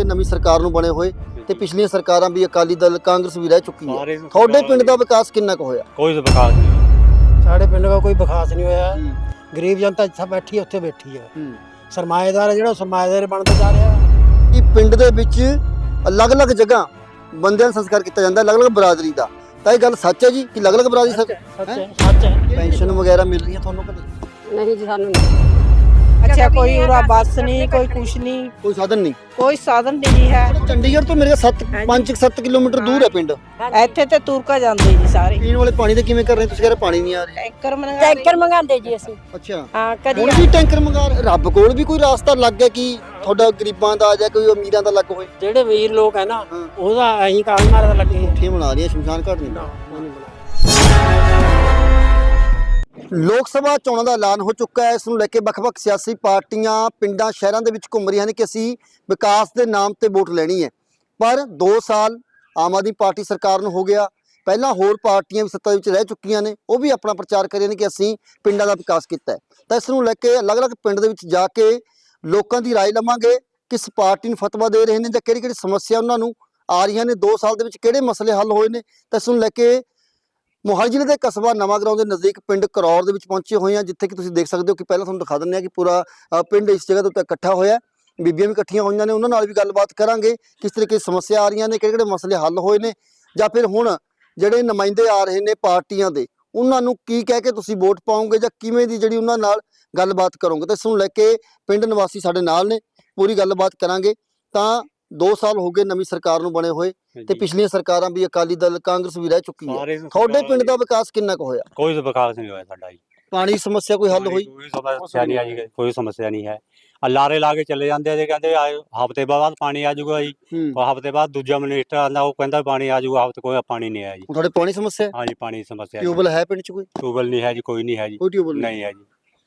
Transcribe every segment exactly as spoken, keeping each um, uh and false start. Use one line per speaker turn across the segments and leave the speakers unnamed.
ਨਵੀਂ ਸਰਕਾਰ ਨੂੰ ਬਣੇ ਹੋਏ ਤੇ ਪਿਛਲੀਆਂ ਸਰਕਾਰਾਂ ਵੀ ਅਕਾਲੀ ਦਲ ਕਾਂਗਰਸ ਵੀ ਰਹਿ ਚੁੱਕੀ ਹੈ। ਤੁਹਾਡੇ ਪਿੰਡ ਦਾ ਵਿਕਾਸ ਕਿੰਨਾ ਕੁ ਹੋਇਆ?
ਕੋਈ ਵਿਕਾਸ ਨਹੀਂ।
ਸਾਡੇ ਪਿੰਡ ਦਾ ਕੋਈ ਵਿਕਾਸ ਨਹੀਂ ਹੋਇਆ। ਗਰੀਬ ਜਨਤਾ ਜਿੱਥੇ ਬੈਠੀ ਹੈ ਉੱਥੇ ਬੈਠੀ ਹੈ। ਸਰਮਾਏਦਾਰ ਜਿਹੜਾ ਸਰਮਾਏਦਾਰ ਬਣਦਾ ਜਾ ਰਿਹਾ।
ਕਿ ਪਿੰਡ ਦੇ ਵਿੱਚ ਅਲੱਗ-ਅਲੱਗ ਜਗ੍ਹਾ ਬੰਦਿਆਂ ਦਾ ਸੰਸਕਾਰ ਕੀਤਾ ਜਾਂਦਾ, ਅਲੱਗ-ਅਲੱਗ ਬਰਾਦਰੀ ਦਾ। ਤਾਂ ਇਹ ਗੱਲ ਸੱਚ ਹੈ ਜੀ ਕਿ ਅਲੱਗ-ਅਲੱਗ ਬਰਾਦਰੀ ਸੱਚ ਹੈ?
ਸੱਚ ਹੈ।
ਪੈਨਸ਼ਨ ਵਗੈਰਾ ਮਿਲ ਰਹੀ ਹੈ ਤੁਹਾਨੂੰ ਕਿ ਨਹੀਂ?
नहीं जी सानू नहीं।
अच्छा कोई उरा बस नहीं, कोई कुछ नहीं,
ਕੋਈ ਸਾਧਨ ਨਹੀਂ।
कोई साधन नहीं है।
ਚੰਡੀਗੜ੍ਹ ਤੋਂ ਮੇਰੇ ਸੱਤ ਪੰਜ ਸੱਤ ਕਿਲੋਮੀਟਰ ਦੂਰ ਹੈ ਪਿੰਡ।
ਇੱਥੇ ਤੇ ਤੁਰ ਕੇ ਜਾਂਦੇ ਜੀ ਸਾਰੇ।
ਪੀਣ ਵਾਲੇ ਪਾਣੀ ਦੇ ਕਿਵੇਂ ਕਰ ਰਹੇ ਤੁਸੀਂ? ਕਹਿੰਦੇ ਪਾਣੀ ਨਹੀਂ ਆ ਰਿਹਾ।
ਟੈਂਕਰ ਮੰਗਾ
टैंकर मंगाते जी ਅਸੀਂ।
ਅੱਛਾ,
ਹਾਂ ਕਦੀ
ਹੁਣ ਵੀ ਟੈਂਕਰ ਮੰਗਾ ਰਹੇ। ਰੱਬ ਕੋਲ ਵੀ ਕੋਈ ਰਾਸਤਾ ਲੱਗ ਗਿਆ ਕਿ ਤੁਹਾਡਾ ਗਰੀਬਾਂ ਦਾ ਜਾਂ ਕੋਈ ਅਮੀਰਾਂ ਦਾ ਲੱਗ ਹੋਏ?
ਜਿਹੜੇ ਵੀਰ ਲੋਕ ਹੈ ਨਾ
ਹਾਂ।
ਉਹਦਾ ਐਂ ਕਾਲ ਮਾਰਦਾ ਲੱਗੇ।
ਠੇ ਬਣਾ ਰਹੀਆਂ ਸ਼ਮਸ਼ਾਨ ਘਾਟ ਨਹੀਂ। ਲੋਕ ਸਭਾ ਚੋਣਾਂ ਦਾ ਐਲਾਨ ਹੋ ਚੁੱਕਾ ਹੈ। ਇਸ ਨੂੰ ਲੈ ਕੇ ਵੱਖ-ਵੱਖ ਸਿਆਸੀ ਪਾਰਟੀਆਂ ਪਿੰਡਾਂ ਸ਼ਹਿਰਾਂ ਦੇ ਵਿੱਚ ਘੁੰਮ ਰਹੀਆਂ ਨੇ ਕਿ ਅਸੀਂ ਵਿਕਾਸ ਦੇ ਨਾਮ ਤੇ ਵੋਟ ਲੈਣੀ ਹੈ। ਪਰ ਦੋ ਸਾਲ ਆਮ ਆਦਮੀ ਪਾਰਟੀ ਸਰਕਾਰ ਨੂੰ ਹੋ ਗਿਆ। ਪਹਿਲਾਂ ਹੋਰ ਪਾਰਟੀਆਂ ਵੀ ਸੱਤਾ ਵਿੱਚ ਰਹਿ ਚੁੱਕੀਆਂ ਨੇ, ਉਹ ਵੀ ਆਪਣਾ ਪ੍ਰਚਾਰ ਕਰ ਰਹੀਆਂ ਨੇ ਕਿ ਅਸੀਂ ਪਿੰਡਾਂ ਦਾ ਵਿਕਾਸ ਕੀਤਾ ਹੈ। ਤਾਂ ਇਸ ਨੂੰ ਲੈ ਕੇ ਅਲੱਗ-ਅਲੱਗ ਪਿੰਡ ਦੇ ਵਿੱਚ ਜਾ ਕੇ ਲੋਕਾਂ ਦੀ ਰਾਏ ਲਵਾਂਗੇ। ਕਿਸ ਪਾਰਟੀ ਨੂੰ ਫਤਵਾ ਦੇ ਰਹੇ ਨੇ ਜਾਂ ਕਿਹੜੀ ਕਿਹੜੀ ਸਮੱਸਿਆ ਉਹਨਾਂ ਨੂੰ ਆ ਰਹੀਆਂ ਨੇ, ਦੋ ਸਾਲ ਦੇ ਵਿੱਚ ਕਿਹੜੇ ਮਸਲੇ ਹੱਲ ਹੋਏ ਨੇ। ਤਾਂ ਇਸ ਨੂੰ ਲੈ ਕੇ ਮੋਹਾਲੀ ਜ਼ਿਲ੍ਹੇ ਦੇ ਕਸਬਾ ਨਵਾਂ ਗਰਾਉਂ ਦੇ ਨਜ਼ਦੀਕ ਪਿੰਡ ਕਰੌਰ ਦੇ ਵਿੱਚ ਪਹੁੰਚੇ ਹੋਏ ਹਾਂ, ਜਿੱਥੇ ਕਿ ਤੁਸੀਂ ਦੇਖ ਸਕਦੇ ਹੋ ਕਿ ਪਹਿਲਾਂ ਤੁਹਾਨੂੰ ਦਿਖਾ ਦਿੰਦੇ ਹਾਂ ਕਿ ਪੂਰਾ ਪਿੰਡ ਇਸ ਜਗ੍ਹਾ ਦੇ ਉੱਤੇ ਇਕੱਠਾ ਹੋਇਆ। ਬੀਬੀਆਂ ਵੀ ਇਕੱਠੀਆਂ ਹੋਈਆਂ ਨੇ, ਉਹਨਾਂ ਨਾਲ ਵੀ ਗੱਲਬਾਤ ਕਰਾਂਗੇ ਕਿਸ ਤਰੀਕੇ ਦੀ ਸਮੱਸਿਆ ਆ ਰਹੀਆਂ ਨੇ, ਕਿਹੜੇ ਕਿਹੜੇ ਮਸਲੇ ਹੱਲ ਹੋਏ ਨੇ, ਜਾਂ ਫਿਰ ਹੁਣ ਜਿਹੜੇ ਨੁਮਾਇੰਦੇ ਆ ਰਹੇ ਨੇ ਪਾਰਟੀਆਂ ਦੇ ਉਹਨਾਂ ਨੂੰ ਕੀ ਕਹਿ ਕੇ ਤੁਸੀਂ ਵੋਟ ਪਾਓਗੇ ਜਾਂ ਕਿਵੇਂ ਦੀ ਜਿਹੜੀ ਉਹਨਾਂ ਨਾਲ ਗੱਲਬਾਤ ਕਰੋਗੇ। ਤਾਂ ਇਸ ਨੂੰ ਲੈ ਕੇ ਪਿੰਡ ਨਿਵਾਸੀ ਸਾਡੇ ਨਾਲ ਨੇ, ਪੂਰੀ ਗੱਲਬਾਤ ਕਰਾਂਗੇ। ਤਾਂ ਦੋ ਸਾਲ ਹੋ ਗਏ ਨਵੀਂ ਸਰਕਾਰ ਨੂੰ ਬਣੇ ਹੋਏ ਤੇ ਪਿਛਲੀਆਂ ਸਰਕਾਰਾਂ ਵੀ ਅਕਾਲੀ ਦਲ ਕਾਂਗਰਸ ਵੀ ਰਹਿ ਚੁੱਕੀ ਹੈ। ਤੁਹਾਡੇ ਪਿੰਡ ਦਾ ਵਿਕਾਸ ਕਿੰਨਾ ਕੁ ਹੋਇਆ?
ਕੋਈ ਵਿਕਾਸ ਨਹੀਂ ਹੋਇਆ ਸਾਡਾ ਜੀ।
ਪਾਣੀ ਦੀ ਸਮੱਸਿਆ ਕੋਈ ਹੱਲ ਹੋਈ?
ਕੋਈ ਸਮੱਸਿਆ ਨਹੀਂ ਆਈ, ਕੋਈ ਸਮੱਸਿਆ ਨਹੀਂ ਹੈ। ਲਾਰੇ ਲਾ ਕੇ ਚਲੇ ਜਾਂਦੇ ਆ ਜੀ, ਕਹਿੰਦੇ ਹਫ਼ਤੇ ਬਾਅਦ ਪਾਣੀ ਆ ਜਾਊਗਾ ਜੀ। ਹਫ਼ਤੇ ਬਾਅਦ ਦੂਜਾ ਮਿਨਿਸਟਰ ਆਉਂਦਾ, ਉਹ ਕਹਿੰਦਾ ਪਾਣੀ ਆ ਜਾਊਗਾ, ਹਫ਼ਤੇ ਕੋਈ ਪਾਣੀ ਨਹੀਂ ਆਇਆ ਜੀ।
ਤੁਹਾਡੇ ਪਾਣੀ ਸਮੱਸਿਆ?
ਹਾਂ ਜੀ, ਪਾਣੀ ਦੀ ਸਮੱਸਿਆ।
ਟਿਊਬਲ ਹੈ ਪਿੰਡ 'ਚ? ਕੋਈ
ਟਿਊਬਲ ਨਹੀਂ ਹੈ ਜੀ, ਕੋਈ ਨਹੀਂ ਹੈ ਜੀ,
ਕੋਈ ਟਿਊਬਲ
ਨਹੀਂ ਹੈ ਜੀ।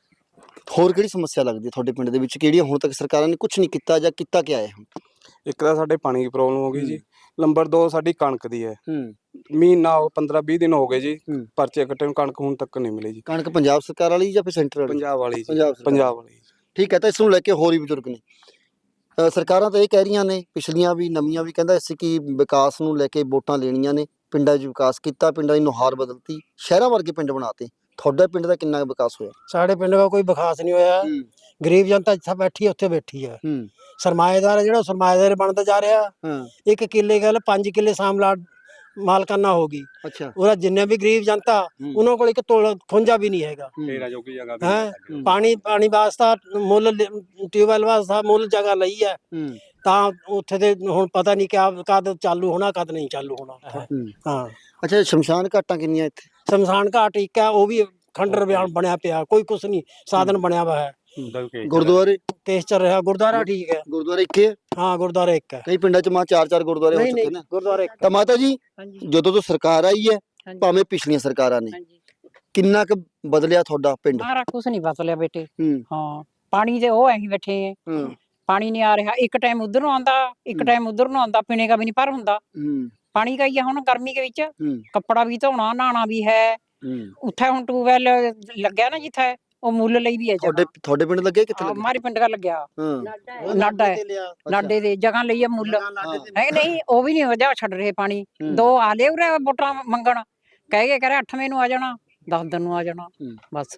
ਹੋਰ ਕਿਹੜੀ ਸਮੱਸਿਆ ਲੱਗਦੀ ਹੈ ਤੁਹਾਡੇ ਪਿੰਡ ਦੇ ਵਿੱਚ, ਕਿਹੜੀਆਂ ਹੁਣ ਤੱਕ ਸਰਕਾਰਾਂ ਨੇ ਕੁਝ ਨਹੀਂ ਕੀਤਾ ਜਾਂ ਕੀਤਾ ਕਿਆ ਹੈ? ਹੁਣ
ਇੱਕ ਤਾਂ ਸਾਡੇ ਪਾਣੀ ਦੀ ਪ੍ਰੋਬਲਮ ਹੋ ਗਈ ਜੀ। ਨੰਬਰ ਦੋ ਸਾਡੀ ਕਣਕ ਦੀ ਹੈ। ਮਹੀਨਾ ਪੰਦਰਾਂ ਵੀਹ ਦਿਨ ਹੋ ਗਏ ਜੀ ਪਰਚੇ ਕੱਟੇ ਨੂੰ, ਕਣਕ ਹੁਣ ਤੱਕ ਨਹੀਂ ਮਿਲੀ ਜੀ।
ਕਣਕ ਪੰਜਾਬ ਸਰਕਾਰ ਵਾਲੀ ਜਾਂ ਫਿਰ ਸੈਂਟਰ ਵਾਲੀ?
ਪੰਜਾਬ ਵਾਲੀ ਜੀ,
ਪੰਜਾਬ
ਪੰਜਾਬ ਵਾਲੀ।
ਠੀਕ ਹੈ। ਤਾਂ ਇਸ ਨੂੰ ਲੈ ਕੇ ਹੋਰ ਵੀ ਬਜ਼ੁਰਗ ਨੇ, ਸਰਕਾਰਾਂ ਤਾਂ ਇਹ ਕਹਿ ਰਹੀਆਂ ਨੇ, ਪਿਛਲੀਆਂ ਵੀ ਨਵੀਆਂ ਵੀ, ਕਹਿੰਦਾ ਅਸੀਂ ਕਿ ਵਿਕਾਸ ਨੂੰ ਲੈ ਕੇ ਵੋਟਾਂ ਲੈਣੀਆਂ ਨੇ, ਪਿੰਡਾਂ 'ਚ ਵਿਕਾਸ ਕੀਤਾ, ਪਿੰਡਾਂ ਦੀ ਨੁਹਾਰ ਬਦਲਤੀ, ਸ਼ਹਿਰਾਂ ਵਰਗੇ ਪਿੰਡ ਬਣਾਤੇ। ਤੁਹਾਡਾ ਪਿੰਡ ਦਾ ਕਿੰਨਾ ਵਿਕਾਸ ਹੋਇਆ?
ਸਾਡੇ ਪਿੰਡ ਦਾ ਕੋਈ ਵਿਕਾਸ ਨਹੀਂ ਹੋਇਆ। ਗਰੀਬ ਜਨਤਾ ਜਿੱਥੇ ਬੈਠੀ ਹੈ ਉੱਥੇ ਬੈਠੀ ਹੈ। ਸਰਮਾਏਦਾਰ ਜਿਹੜਾ ਸਰਮਾਏਦਾਰ ਬਣਦਾ ਜਾ ਰਿਹਾ। ਇੱਕ ਕਿੱਲੇ ਗੱਲ ਪੰਜ ਕਿੱਲੇ ਸਾਮਲਾ ਮਾਲਕਾਨਾ ਹੋ ਗਈ।
ਅੱਛਾ,
ਉਹਦਾ ਜਿੰਨੇ ਵੀ ਗਰੀਬ ਜਨਤਾ ਉਹਨਾਂ ਕੋਲ ਇੱਕ ਤੋਲ ਖੁੰਝਾ ਵੀ ਨਹੀਂ ਹੈਗਾ। ਹੈ ਪਾਣੀ ਪਾਣੀ ਵਾਸਤਾ ਮੁੱਲ ਟਿਊਬਵੈਲ ਵਾਸਤਾ ਮੁੱਲ ਜਗ੍ਹਾ ਲਈ ਹੈ। ਤਾਂ ਉੱਥੇ ਦੇ ਹੁਣ ਪਤਾ ਨਹੀਂ ਕਿਆ ਕਦ ਚਾਲੂ ਹੋਣਾ ਕਦ ਨਹੀਂ ਚਾਲੂ ਹੋਣਾ। ਹਾਂ।
ਅੱਛਾ, ਸ਼ਮਸ਼ਾਨ ਘਾਟਾਂ ਕਿੰਨੀਆਂ ਇੱਥੇ?
ਸ਼ਮਸ਼ਾਨ ਘਾਟ ਇੱਕ ਹੈ, ਉਹ ਵੀ ਖੰਡਰ ਬਿਆਨ ਬਣਿਆ ਪਿਆ, ਕੋਈ ਕੁਛ ਨਹੀਂ ਸਾਧਨ ਬਣਿਆ ਵਾ ਹੈ।
ਗੁਰਦੁਆਰੇ
ਕੇਸ ਚੱਲ ਰਿਹਾ। ਗੁਰਦੁਆਰਾ ਠੀਕ ਹੈ।
ਗੁਰਦੁਆਰਾ ਇੱਕ ਹੈ?
ਹਾਂ, ਗੁਰਦੁਆਰਾ ਇੱਕ ਹੈ।
ਕਈ ਪਿੰਡਾਂ 'ਚ ਮਾਂ ਚਾਰ ਚਾਰ ਗੁਰਦੁਆਰੇ ਹੋ ਚੁੱਕੇ ਨੇ।
ਗੁਰਦੁਆਰਾ ਇੱਕ।
ਤਾਂ ਮਾਤਾ ਜੀ, ਜਦੋਂ ਤੋਂ ਸਰਕਾਰ ਆਈ ਹੈ, ਭਾਵੇਂ ਪਿਛਲੀਆਂ ਸਰਕਾਰਾਂ ਨੇ, ਕਿੰਨਾ ਕੁ ਬਦਲਿਆ ਤੁਹਾਡਾ ਪਿੰਡ?
ਸਾਰਾ ਕੁਝ ਨਹੀਂ ਬਦਲਿਆ ਬੇਟੇ। ਹਾਂ, ਪਾਣੀ ਦੇ ਉਹ ਐਂ ਬੈਠੇ ਆ, ਪਾਣੀ ਨਹੀਂ ਆ ਰਿਹਾ। ਇੱਕ ਟਾਈਮ ਉਧਰ ਨੂੰ ਆਉਂਦਾ, ਇੱਕ ਟਾਈਮ ਉਧਰ ਨੂੰ ਆਉਂਦਾ, ਪੀਣੇ ਦਾ ਵੀ ਨਹੀਂ ਪਰ ਹੁੰਦਾ। ਪਾਣੀ का ही है। ਹੁਣ ਗਰਮੀ ਦੇ ਵਿੱਚ ਕੱਪੜਾ ਵੀ ਧੋਣਾ, ਨਹਾਣਾ ਵੀ ਹੈ। ਉੱਥੇ ਹੁਣ ਟਿਊਬਵੈਲ ਲੱਗਿਆ ਨਾ ਜਿੱਥੇ, ਉਹ ਮੁੱਲ ਲਈ ਵੀ ਹੈ।
ਤੁਹਾਡੇ ਤੁਹਾਡੇ ਪਿੰਡ ਲੱਗੇ ਕਿੱਥੇ?
ਹਮਾਰੇ ਪਿੰਡ ਦਾ ਲੱਗਿਆ ਨਾਡਾ ਹੈ, ਨਾਡੇ ਦੇ ਜਗ੍ਹਾ ਲਈ ਹੈ ਮੁੱਲ ਹੈ। ਨਹੀਂ, ਉਹ ਵੀ ਨਹੀਂ ਵਜਾ ਛੱਡ ਰਹੇ ਪਾਣੀ। ਦੋ ਆ ਲੈ ਉਰੇ ਵੋਟਾਂ ਮੰਗਣ, ਕਹਿ ਕੇ ਕਰੇ ਅੱਠਵੇਂ ਨੂੰ ਆ ਜਾਣਾ, ਦਸ ਦਿਨ ਨੂੰ ਆ ਜਾਣਾ। ਬਸ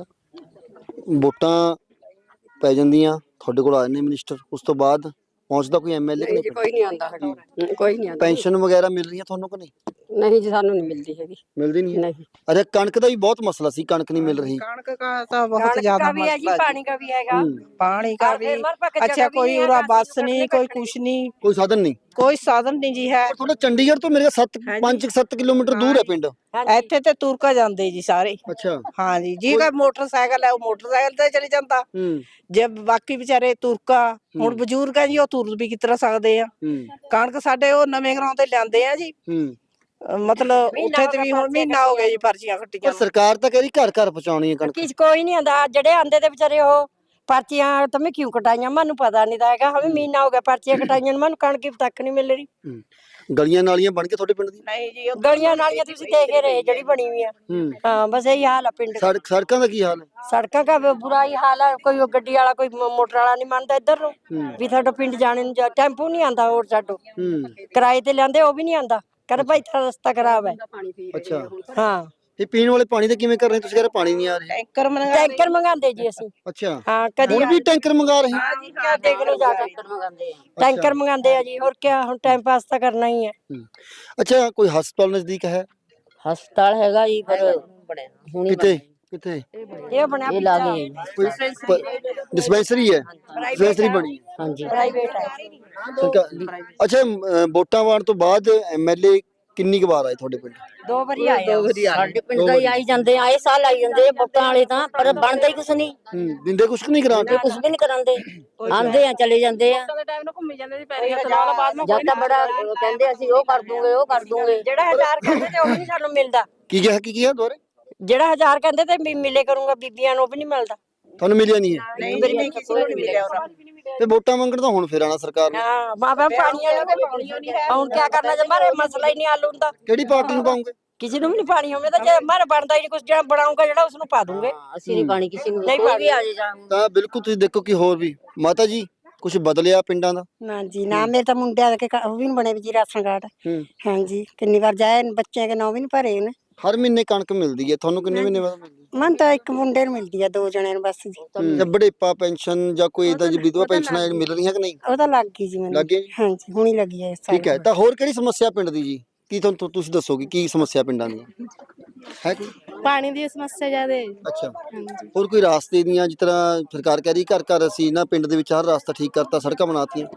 ਵੋਟਾਂ ਪੈ ਜਾਂਦੀਆਂ, ਤੁਹਾਡੇ ਕੋਲ ਆ ਜਾਂਦੇ ਮਿਨਿਸਟਰ, ਉਸ ਤੋਂ ਬਾਅਦ ਪਹੁੰਚਦਾ ਕੋਈ ਐਮਐਲਏ?
ਨਹੀਂ, ਕੋਈ ਨਹੀਂ ਆਉਂਦਾ, ਕੋਈ ਨਹੀਂ ਆਉਂਦਾ।
ਪੈਨਸ਼ਨ ਵਗੈਰਾ ਮਿਲ ਰਹੀਆਂ ਤੁਹਾਨੂੰ ਕਿ ਨਹੀਂ?
नहीं जी, सानू नहीं मिलती है।
मिलती नहीं?
नहीं।
अरे कणक का भी बहुत मसला सी, कणक नहीं मिल रही।
कणक का तो बहुत ज्यादा
भी है जी, पानी का भी हैगा,
पानी का भी। अच्छा कोई उरा बस नहीं, कोई कुछ नहीं,
कोई साधन नहीं,
कोई साधन नहीं जी है।
थोड़ा चंडीगढ़ तो मेरे सत्त पांच सत्त किलोमीटर दूर है पिंड।
ਇੱਥੇ ਤੇ ਤੁਰ ਕੇ ਜਾਂਦੇ ਜੀ ਸਾਰੇ।
ਅੱਛਾ।
ਹਾਂ ਜੀ, ਜੀ ਕਾ ਮੋਟਰਸਾਈਕਲ ਹੈ ਉਹ ਮੋਟਰਸਾਈਕਲ ਤੇ ਚਲੀ ਜਾਂਦਾ। ਜੇ ਬਾਕੀ ਵਿਚਾਰੇ ਤੁਰਕਾ, ਹੁਣ ਬਜ਼ੁਰਗ ਆ ਜੀ, ਉਹ ਤੁਰ ਵੀ ਕਿਤਰਾ ਸਕਦੇ ਆ। ਕਣਕ ਸਾਡੇ ਉਹ ਨਵੇਂ ਘਰਾਂ ਤੇ ਲਿਆਂਦੇ ਆ ਜੀ। ਮਤਲਬ ਉੱਥੇ ਤੇ ਵੀ ਹੁਣ ਮਹੀਨਾ ਹੋ ਗਿਆ ਜੀ ਪਰਚੀਆਂ ਕੱਟੀਆਂ।
ਸਰਕਾਰ ਤਾਂ ਕਹਿ ਰਹੀ ਘਰ ਘਰ ਪਹੁੰਚਾਉਣੀ ਹੈ ਕਣਕ।
ਕਿਸ ਕੋਈ ਨਹੀਂ ਆਂਦਾ, ਜਿਹੜੇ ਆਂਦੇ ਤੇ ਵਿਚਾਰੇ ਉਹ
पर्चियां तो मैं क्यों कटाइयां मैनू पता नहीं था हैगा हमें महीना हो गया पर्चियां कटाइयां ਨੂੰ मैनू कणक तक नहीं मिल रही
ਗਲੀਆਂ ਨਾਲੀਆਂ ਬਣ ਕੇ ਤੁਹਾਡੇ ਪਿੰਡ ਦੀ
ਨਹੀਂ ਜੀ
गलियां नालियां तुसी देख ही रहे जड़ी बनी हुई है हाँ बस यही हाल है पिंड का।
ਸੜਕ ਸੜਕਾਂ ਦਾ ਕੀ ਹਾਲ ਹੈ
सड़कों का भी बुरा ही हाल है कोई गड्डी वाला कोई मोटर वाला नहीं मानता इधर ਨੂੰ भी साडो पिंड जाने ਨੂੰ टेंपू नहीं आंदा और साडो किराए ते लेंदे वो भी नहीं आंदा कर भाई तेरा रास्ता खराब है।
ਅੱਛਾ
हाँ
ਇਹ ਪੀਣ ਵਾਲੇ ਪਾਣੀ ਦਾ ਕਿਵੇਂ ਕਰ ਰਹੇ ਤੁਸੀਂ? ਕਹਿੰਦੇ ਪਾਣੀ ਨਹੀਂ ਆ ਰਿਹਾ।
ਟੈਂਕਰ ਮੰਗਾ
टैंकर मंगाते जी असि
ਅੱਛਾ
हाँ कदी
ਹੁਣ ਵੀ ਟੈਂਕਰ ਮੰਗਾ ਰਹੇ
हाँ जी क्या देख लो जाकर टैंकर मंगाते हैं जी और क्या हम टाइम पास तो करना ही है।
ਅੱਛਾ ਕੋਈ ਹਸਪਤਾਲ ਨਜ਼ਦੀਕ ਹੈ?
ਹਸਪਤਾਲ ਹੈਗਾ ਜੀ ਪਰ ਹੁਣੀ
ਕਿੱਥੇ ਕਿੱਥੇ
ये बना
ਇਹ ਲਾਗੇ
ਕੋਈ ਡਿਸਪੈਂਸਰੀ ਹੈ? ਡਿਸਪੈਂਸਰੀ ਬਣੀ ਹੈ।
ਹਾਂਜੀ
प्राइवेट है।
ਸਰਕਾਰ ਅੱਛਾ ਅਮ, ਵੋਟਾਂ ਪਾਉਣ ਤੋਂ ਬਾਅਦ ਐਮਐਲਏ ਕਿੰਨੀ ਕੁ ਵਾਰ ਆਏ ਤੁਹਾਡੇ ਪਿੰਡ?
दो बारी आए हैं।
ਸਾਡੇ ਪਿੰਡ ਦਾ ਹੀ ਆਈ ਜਾਂਦੇ ਆ ਆਏ ਸਾਲ ਆਈ ਜਾਂਦੇ ਆ ਵੋਟਾਂ ਵਾਲੇ ਤਾਂ ਪਰ ਬਣਦਾ ਹੀ ਕੁਛ ਨਹੀਂ
ਹੂੰ ਦਿੰਦੇ ਕੁਛ ਨਹੀਂ ਗ੍ਰਾਂਟ?
ਕੁਛ ਵੀ ਨਹੀਂ ਕਰਾਂਦੇ ਆਂਦੇ ਆ ਚਲੇ ਜਾਂਦੇ ਆ ਜਦ ਤਾਂ ਬੜਾ ਕਹਿੰਦੇ ਅਸੀਂ ਉਹ ਕਰ ਦੂੰਗੇ ਉਹ ਕਰ ਦੂੰਗੇ
ਜਿਹੜਾ ਹਜ਼ਾਰ ਕਹਿੰਦੇ ਤੇ ਉਹ ਵੀ ਨਹੀਂ ਸਾਨੂੰ ਮਿਲਦਾ।
ਕੀ ਕਿਹਾ ਕੀ ਕਿਹਾ ਦੁਬਾਰੇ?
ਜਿਹੜਾ ਹਜ਼ਾਰ ਕਹਿੰਦੇ ਤੇ ਵੀ ਮਿਲੇ ਕਰੂੰਗਾ ਬੀਬੀਆਂ ਨੂੰ ਉਹ ਵੀ ਨਹੀਂ ਮਿਲਦਾ।
ਤੁਹਾਨੂੰ ਮਿਲਿਆ ਨਹੀਂ ਹੈ?
ਨਹੀਂ ਮੇਰੀ ਕਿਸੇ ਨੂੰ ਨਹੀਂ ਮਿਲਿਆ ਉਹਦਾ
ਤੇ ਵੋਟਾਂ ਮੰਗਣ ਤਾਂ ਹੁਣ ਫਿਰ ਆਣਾ ਸਰਕਾਰ ਨੇ।
हाँ माँ बाप पानी और क्या करना जब हमारे मसला ही नहीं हल होता
ਕਿਹੜੀ ਪਾਰਟੀ ਨੂੰ ਪਾਉਂਗੇ?
किसी ਨੂੰ भी नहीं पानी हमें तो जे हमारा बनता ही नहीं कुछ जो बनाऊंगा ਜਿਹੜਾ ਉਸ ਨੂੰ ਪਾ ਦੂੰਗੇ।
ਅਸੀਂ ਨਹੀਂ ਪਾਣੀ ਕਿਸੇ ਨੂੰ
ਨਹੀਂ
ਕੋਈ
ਪਾਣੀ।
ਵੀ ਆ ਜੇ ਜਾਂ
ਤਾਂ ਬਿਲਕੁਲ ਤੁਸੀਂ ਦੇਖੋ ਕਿ ਹੋਰ ਵੀ ਮਾਤਾ ਜੀ ਕੁਝ ਬਦਲਿਆ ਪਿੰਡਾਂ ਦਾ?
ਨਾ ਜੀ ਨਾ ਮੇਰੇ ਤਾਂ ਮੁੰਡਿਆਂ ਦੇ ਕੇ ਉਹ ਵੀ ਨਹੀਂ ਬਣੇ ਵੀ ਜੀ ਰਾਸ਼ਨ ਕਾਰਡ। ਹਾਂ ਜੀ ਕਿੰਨੀ ਵਾਰ ਜਾਏ ਬੱਚਿਆਂ ਦੇ ਨਾਂ ਵੀ ਨਹੀਂ ਭਰੇ ਨੇ।
ਹਰ ਮਹੀਨੇ ਕਣਕ ਮਿਲਦੀ ਹੈ ਤੁਹਾਨੂੰ? ਕਿੰਨੇ ਮਹੀਨੇ ਬਾਅਦ ਮਿਲਦੀ ਹੈ?
ਮਨ ਤਾਂ ਇੱਕ ਮੁੰਡੇ ਨੂੰ ਮਿਲਦੀ ਆ ਦੋ ਜਣਿਆਂ ਨੂੰ ਬਸ ਜੀ।
ਜਾਂ ਬੁਢੇਪਾ ਪੈਨਸ਼ਨ ਜਾਂ ਕੋਈ ਇਦਾਂ ਦੀ ਵਿਧਵਾ ਪੈਨਸ਼ਨ ਮਿਲ ਰਹੀਆਂ ਕਿ ਨਹੀਂ?
ਉਹ ਤਾਂ ਲੱਗ ਗਈ ਜੀ ਮੈਨੂੰ।
ਲੱਗ ਗਈ?
ਹਾਂ ਜੀ ਹੁਣੀ ਲੱਗੀ ਹੈ।
ਠੀਕ ਹੈ ਤਾਂ ਹੋਰ ਕਿਹੜੀ ਸਮੱਸਿਆ ਪਿੰਡ ਦੀ ਜੀ? ਕੀ ਤੁਹਾਨੂੰ ਤੁਸੀਂ ਦੱਸੋਗੇ ਕੀ ਸਮੱਸਿਆ ਪਿੰਡਾਂ ਦੀ ਹੈ? ਕੋਈ
ਪਾਣੀ ਦੀ ਸਮੱਸਿਆ ਜ਼ਿਆਦਾ ਹੈ।
ਅੱਛਾ ਹੋਰ ਕੋਈ ਰਾਸਤੇ ਦੀਆਂ ਜਿਸ ਤਰ੍ਹਾਂ ਸਰਕਾਰ ਕਹਿ ਰਹੀ ਘਰ ਘਰ ਅਸੀਂ ਨਾ ਪਿੰਡ ਦੇ ਵਿੱਚ ਹਰ ਰਾਸਤਾ ਠੀਕ ਕਰਤਾ ਸੜਕਾਂ ਬਣਾਤੀਆਂ?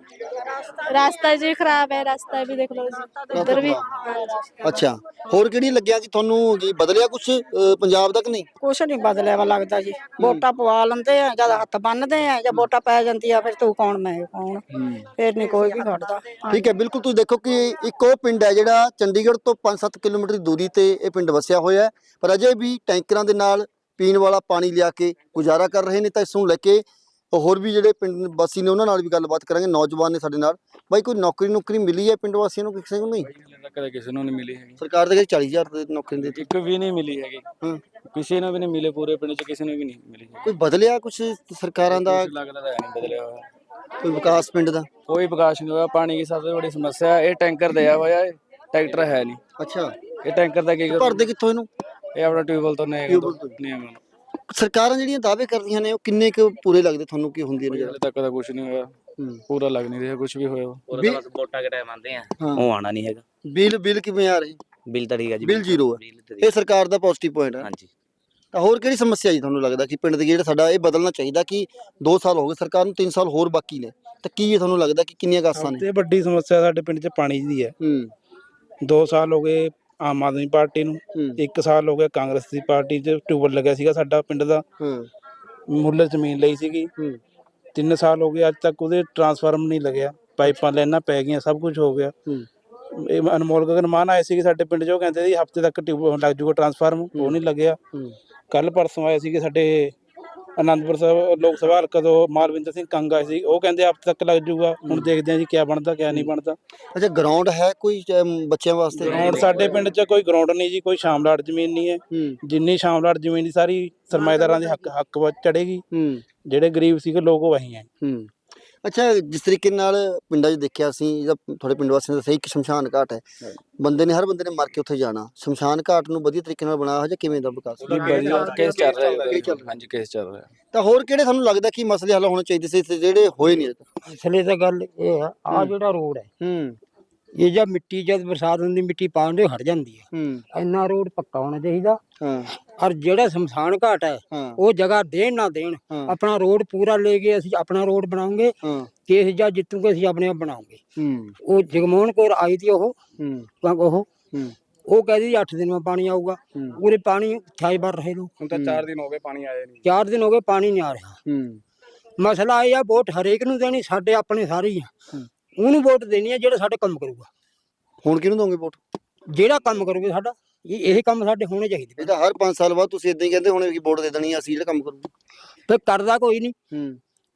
ਰਾਸਤਾ ਜੀ ਖਰਾਬ ਹੈ ਰਾਸਤਾ ਵੀ ਦੇਖ ਲਓ ਜੀ ਉਧਰ ਵੀ
ਅੱਛਾ ਹੋਰ ਕਿਹੜੀ ਲੱਗਿਆ ਜੀ ਤੁਹਾਨੂੰ ਜੀ ਬਦਲਿਆ ਕੁਛ ਅ, ਪੰਜਾਬ ਦਾ ਕਿ ਨਹੀਂ?
ਕੁਛ ਨਹੀਂ ਬਦਲਿਆ ਵਾ ਲੱਗਦਾ ਜੀ ਵੋਟਾਂ ਪਵਾ ਲੈਂਦੇ ਆ ਜਦ ਹੱਥ ਬੰਨਦੇ ਆ ਜਾਂ ਵੋਟਾਂ ਪੈ ਜਾਂਦੀ ਆ ਫਿਰ ਤੂੰ ਕੌਣ ਮੈਂ ਕੌਣ ਫਿਰ ਨਹੀਂ ਕੋਈ ਵੀ ਖੜਦਾ।
ਠੀਕ ਹੈ ਬਿਲਕੁਲ ਤੁਸੀਂ ਦੇਖੋ ਕਿ ਇੱਕ ਉਹ ਪਿੰਡ ਹੈ ਜਿਹੜਾ ਚੰਡੀਗੜ੍ਹ ਤੋਂ ਪੰਜ ਸੱਤ ਕਿਲੋਮੀਟਰ ਦੀ ਦੂਰੀ ਤੇ ਇਹ ਪਿੰਡ ਵਸਿਆ ਹੋਇਆ ਹੈ ਪਰ ਅਜੇ ਵੀ ਟੈਂਕਰਾਂ ਦੇ ਨਾਲ ਪੀਣ ਵਾਲਾ ਪਾਣੀ ਲਿਆ ਕੇ ਗੁਜ਼ਾਰਾ ਕਰ ਰਹੇ ਨੇ। ਤਾਂ ਇਸ ਨੂੰ ਲੈ ਕੇ ਹੋਰ ਵੀ ਜਿਹੜੇ ਪਿੰਡ ਵਾਸੀ ਨੇ ਉਹਨਾਂ ਨਾਲ ਵੀ ਗੱਲਬਾਤ ਕਰਾਂਗੇ। ਨੌਜਵਾਨ ਨੇ ਸਾਡੇ ਨਾਲ ਬਾਈ ਕੋਈ ਨੌਕਰੀ ਨੌਕਰੀ ਮਿਲੀ ਹੈ ਪਿੰਡ ਵਾਸੀਆਂ ਨੂੰ ਕਿਸੇ ਨੂੰ? ਨਹੀਂ
ਕਦੇ ਕਿਸੇ ਨੂੰ ਨਹੀਂ ਮਿਲੀ ਹੈਗੀ
ਸਰਕਾਰ ਦੇ ਕਹਿੰਦੀ ਚਾਲੀ ਹਜ਼ਾਰ ਦੀ ਨੌਕਰੀ ਦੇ
ਇੱਕ ਵੀ ਨਹੀਂ ਮਿਲੀ ਹੈਗੀ
ਹਾਂ
ਕਿਸੇ ਨੂੰ ਵੀ ਨਹੀਂ ਮਿਲੇ ਪੂਰੇ ਪਿੰਡ 'ਚ ਕਿਸੇ ਨੂੰ ਵੀ ਨਹੀਂ ਮਿਲੀ
ਕੋਈ ਬਦਲਿਆ ਕੁਛ ਸਰਕਾਰਾਂ ਦਾ?
ਲੱਗਦਾ ਤਾਂ ਨਹੀਂ ਬਦਲਿਆ ਹੋਇਆ
ਕੋਈ ਵਿਕਾਸ ਪਿੰਡ ਦਾ?
ਕੋਈ ਵਿਕਾਸ ਨਹੀਂ ਹੋਇਆ। ਪਾਣੀ ਦੀ ਸਭ ਤੋਂ ਵੱਡੀ ਸਮੱਸਿਆ ਹੈ ਇਹ ਟੈਂਕਰ ਦਿਆ ਹੋਇਆ ਹੈ ਟਰੈਕਟਰ ਹੈ ਨਹੀਂ।
ਅੱਛਾ
ਇਹ ਟੈਂਕਰ ਦਾ ਕੀ
ਭਰਦੇ ਕਿੱਥੋਂ ਇਹਨੂੰ?
ਇਹ ਆਪਣਾ ਟਿਊਬਵੈਲ ਤੋਂ ਨਹੀਂ
ਟਿਊਬਵੈਲ ਤੋਂ।
ਨਹੀਂ
ਸਰਕਾਰਾਂ ਜਿਹੜੀਆਂ ਦਾਅਵੇ ਕਰਦੀਆਂ ਨੇ ਉਹ ਕਿੰਨੇ ਕੁ ਪੂਰੇ ਲੱਗਦੇ ਤੁਹਾਨੂੰ? ਕੀ ਹੁੰਦੀ ਨੇ
ਹਲੇ ਤੱਕ ਤਾਂ ਕੁਝ ਨਹੀਂ ਹੋਇਆ ਪੂਰਾ ਲੱਗ ਨਹੀਂ ਰਿਹਾ ਕੁਝ ਵੀ ਹੋਇਆ।
ਬਿੱਲ
ਵੋਟਾਂ ਕੇ ਟਾਈਮ ਆਉਂਦੇ ਆ
ਹਾਂ।
ਉਹ ਆਣਾ ਨਹੀਂ ਹੈਗਾ।
ਬਿੱਲ ਬਿੱਲ ਕਿਵੇਂ ਆ ਰਹੇ?
ਬਿੱਲ ਤਾਂ ਠੀਕ ਹੈ ਜੀ
ਬਿੱਲ ਜ਼ੀਰੋ ਹੈ।
ਬਿੱਲ ਤਾਂ ਠੀਕ
ਇਹ ਸਰਕਾਰ ਦਾ ਪੋਜ਼ਿਟਿਵ ਪੁਆਇੰਟ ਹੈ।
ਹਾਂਜੀ
ਤਾਂ ਹੋਰ ਕਿਹੜੀ ਸਮੱਸਿਆ ਜੀ ਤੁਹਾਨੂੰ ਲੱਗਦਾ ਕਿ ਪਿੰਡ ਦੇ ਜਿਹੜਾ ਸਾਡਾ ਇਹ ਬਦਲਣਾ ਚਾਹੀਦਾ ਕਿ ਦੋ ਸਾਲ ਹੋ ਗਏ ਸਰਕਾਰ ਨੂੰ ਤਿੰਨ ਸਾਲ ਹੋਰ ਬਾਕੀ ਨੇ ਤਾਂ ਕੀ ਇਹ ਤੁਹਾਨੂੰ ਲੱਗਦਾ ਕਿ ਕਿੰਨੀਆਂ ਕਾਸਾਂ ਨੇ?
ਤੇ ਵੱਡੀ ਸਮੱਸਿਆ ਸਾਡੇ ਪਿੰਡ 'ਚ ਪਾਣੀ ਦੀ ਹੈ।
ਹੂੰ
ਦੋ ਸਾਲ ਹੋ ਗਏ ਆਮ ਆਦਮੀ ਪਾਰਟੀ ਨੂੰ
ਹੂੰ
ਇੱਕ ਸਾਲ ਹੋ ਗਿਆ ਕਾਂਗਰਸ ਦੀ ਪਾਰਟੀ 'ਚ ਟਿਊਬਲ ਲੱਗਿਆ ਸੀਗਾ ਸਾਡਾ ਪਿੰਡ ਦਾ
ਹੂੰ
ਮੁੱਲ ਜ਼ਮੀਨ ਲਈ ਸੀਗੀ
ਹੂੰ
ਤਿੰਨ ਸਾਲ ਹੋ ਗਏ ਅੱਜ ਤੱਕ ਉਹਦੇ ਟਰਾਂਸਫਾਰਮ ਨਹੀਂ ਲੱਗਿਆ ਪਾਈਪਾਂ ਲੈਣਾ ਪੈ ਗਈਆਂ ਸਭ ਕੁਝ ਹੋ ਗਿਆ।
ਹੂੰ
ਇਹ ਅਨਮੋਲ ਗਗਨ ਮਾਨ ਆਏ ਸੀਗੇ ਸਾਡੇ ਪਿੰਡ 'ਚ ਉਹ ਕਹਿੰਦੇ ਸੀ ਹਫ਼ਤੇ ਤੱਕ ਟਿਊਬ ਲੱਗ ਜੂਗਾ ਟਰਾਂਸਫਾਰਮ ਉਹ ਨਹੀਂ ਲੱਗਿਆ।
ਹੂੰ
ਕੱਲ ਪਰਸੋਂ ਆਏ ਸੀਗੇ ਸਾਡੇ ਅਨੰਦਪੁਰ ਸਾਹਿਬ ਲੋਕ ਸਭਾ ਹਲਕਾ ਤੋਂ ਮਾਲਵਿੰਦਰ ਸਿੰਘ ਕੰਗ ਆਏ ਸੀ ਉਹ ਕਹਿੰਦੇ ਹਫ਼ਤੇ ਤੱਕ ਲੱਗ ਜੂਗਾ। ਹੁਣ ਦੇਖਦੇ ਹਾਂ ਜੀ ਕਿਆ ਬਣਦਾ ਕਿਆ ਨਹੀਂ ਬਣਦਾ।
ਅੱਛਾ ਗਰਾਊਂਡ ਹੈ ਕੋਈ ਅਮ, ਬੱਚਿਆਂ ਵਾਸਤੇ?
ਗਰਾਊਂਡ ਸਾਡੇ ਪਿੰਡ 'ਚ ਕੋਈ ਗਰਾਊਂਡ ਨਹੀਂ ਜੀ ਕੋਈ ਸ਼ਾਮਲਾਟ ਜ਼ਮੀਨ ਨਹੀਂ ਹੈ।
ਹੂੰ
ਜਿੰਨੀ ਸ਼ਾਮਲਾਟ ਜ਼ਮੀਨ ਦੀ ਸਾਰੀ ਸਰਮਾਏਦਾਰਾਂ ਦੇ ਹੱਕ ਹੱਕ ਵਿੱਚ ਚੜੇਗੀ
ਹੂੰ
ਜਿਹੜੇ ਗਰੀਬ ਸੀਗੇ ਲੋਕ ਉਹ ਵਹੀ ਹੈ।
ਹੂੰ ਅੱਛਾ ਜਿਸ ਤਰੀਕੇ ਨਾਲ ਪਿੰਡਾਂ 'ਚ ਦੇਖਿਆ ਅਸੀਂ ਜਿਹਦਾ ਤੁਹਾਡੇ ਪਿੰਡ ਵਾਸੀਆਂ ਦਾ ਸਹੀ ਇੱਕ ਸ਼ਮਸ਼ਾਨ ਘਾਟ ਹੈ ਬੰਦੇ ਨੇ ਹਰ ਬੰਦੇ ਨੇ ਮਰ ਕੇ ਉੱਥੇ ਜਾਣਾ ਸ਼ਮਸ਼ਾਨ ਘਾਟ ਨੂੰ ਵਧੀਆ ਤਰੀਕੇ ਨਾਲ ਬਣਾਇਆ ਹੋਇਆ ਜਾਂ ਕਿਵੇਂ ਦਾ ਵਿਕਾਸ?
ਕੇਸ ਚੱਲ ਰਿਹਾ ਹਾਂਜੀ ਕੇਸ ਚੱਲ ਰਿਹਾ।
ਤਾਂ ਹੋਰ ਕਿਹੜੇ ਤੁਹਾਨੂੰ ਲੱਗਦਾ ਕਿ ਮਸਲੇ ਹੱਲ ਹੋਣੇ ਚਾਹੀਦੇ ਸੀ ਤੇ ਜਿਹੜੇ ਹੋਏ ਨਹੀਂ?
ਅਸਲੇ ਤਾਂ ਗੱਲ ਇਹ ਆ ਆ ਜਿਹੜਾ ਰੋਡ ਹੈ
ਹੂੰ
ਇਹ ਜਾਂ ਮਿੱਟੀ ਜਦ ਬਰਸਾਤ ਹੁੰਦੀ ਮਿੱਟੀ ਪਾਉਣ ਦੇ ਹਟ ਜਾਂਦੀ ਹੈ
ਹੂੰ
ਇੰਨਾ ਰੋਡ ਪੱਕਾ ਹੋਣਾ ਚਾਹੀਦਾ।
ਹਾਂ
ਔਰ ਜਿਹੜਾ ਸ਼ਮਸ਼ਾਨ ਘਾਟ ਹੈ
ਹਾਂ
ਉਹ ਜਗ੍ਹਾ ਦੇਣ ਨਾ ਦੇਣ
ਹਾਂ
ਆਪਣਾ ਰੋਡ ਪੂਰਾ ਲੈ ਕੇ ਅਸੀਂ ਆਪਣਾ ਰੋਡ ਬਣਾਉਂਗੇ
ਹਾਂ
ਕੇਸ ਜਾਂ ਜਿੱਤੂਗੇ ਅਸੀਂ ਆਪਣੇ ਆਪ ਬਣਾਉਂਗੇ।
ਹੂੰ
ਉਹ ਜਗਮੋਹਨ ਕੌਰ ਆਈ ਤੀ ਉਹ
ਹੂੰ
ਉਹ
ਹੂੰ
ਉਹ ਕਹਿੰਦੀ ਅੱਠ ਦਿਨ में ਪਾਣੀ ਆਊਗਾ
ਹੂੰ
ਪੂਰੇ ਪਾਣੀ ਅਠਾਈ ਬਾਰ ਰਹੇ ਲੋਕ
ਹੁਣ ਤਾਂ ਚਾਰ ਦਿਨ ਹੋ ਗਏ ਪਾਣੀ ਆਇਆ ਨਹੀਂ।
ਚਾਰ ਦਿਨ ਹੋ ਗਏ ਪਾਣੀ ਨਹੀਂ ਆ ਰਿਹਾ।
ਹੂੰ
ਮਸਲਾ ਇਹ ਆ ਵੋਟ ਹਰੇਕ ਨੂੰ ਦੇਣੀ ਸਾਡੇ ਆਪਣੇ ਸਾਰੇ ਹੀ ਆ ਉਹਨੂੰ ਵੋਟ ਦੇਣੀ ਆ ਜਿਹੜਾ ਸਾਡੇ ਕੰਮ ਕਰੂਗਾ।
ਹੁਣ ਕਿਹਨੂੰ ਦੋਗੇ ਵੋਟ?
ਜਿਹੜਾ ਕੰਮ ਕਰੂਗਾ ਸਾਡਾ ਇਹ ਇਹ ਕੰਮ ਸਾਡੇ ਹੋਣੇ ਚਾਹੀਦੇ।
ਇਹ ਤਾਂ ਹਰ ਪੰਜ ਸਾਲ ਬਾਅਦ ਤੁਸੀਂ ਇਦਾਂ ਹੀ ਕਹਿੰਦੇ ਹੋਣੇ ਕਿ ਵੋਟ ਦੇ ਦੇਣੀ ਆ ਅਸੀਂ ਜਿਹੜਾ ਕੰਮ ਕਰੂਗੇ।
ਫਿਰ ਕਰਦਾ ਕੋਈ ਨਹੀਂ
ਹੂੰ